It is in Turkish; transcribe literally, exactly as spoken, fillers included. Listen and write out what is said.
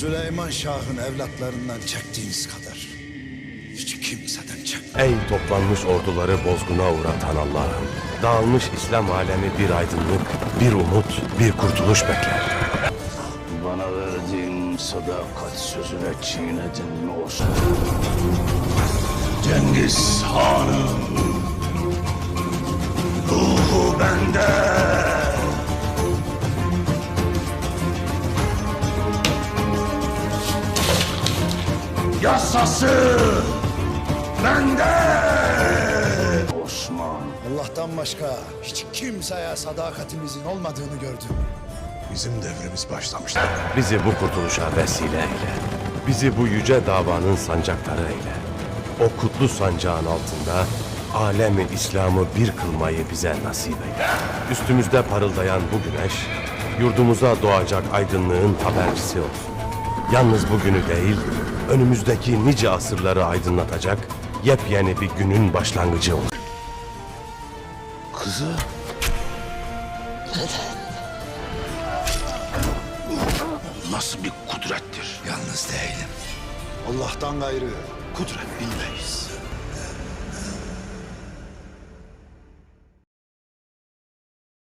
Süleyman Şah'ın evlatlarından çektiğiniz kadar hiç kimseden çek. Ey toplanmış orduları bozguna uğratan Allah'ım, dağılmış İslam alemi bir aydınlık, bir umut, bir kurtuluş bekler. Bana verdiğin sadakat sözüne çiğnedin mi Osman? Cengiz Han'ım, ruhu bende. Yasası bende. Osman. Allah'tan başka hiç kimseye sadakatimizin olmadığını gördüm. Bizim devrimiz başlamıştır. Bizi bu kurtuluşa vesile eyle. Bizi bu yüce davanın sancakları eyle. O kutlu sancağın altında alemi İslam'ı bir kılmayı bize nasip eyle. Üstümüzde parıldayan bu güneş, yurdumuza doğacak aydınlığın habercisi olsun. Yalnız bugünü değil, önümüzdeki nice asırları aydınlatacak yepyeni bir günün başlangıcı olsun. Kızı. Nasıl bir kudrettir? Yalnız değilim. Allah'tan gayrı kudret bilmeyiz.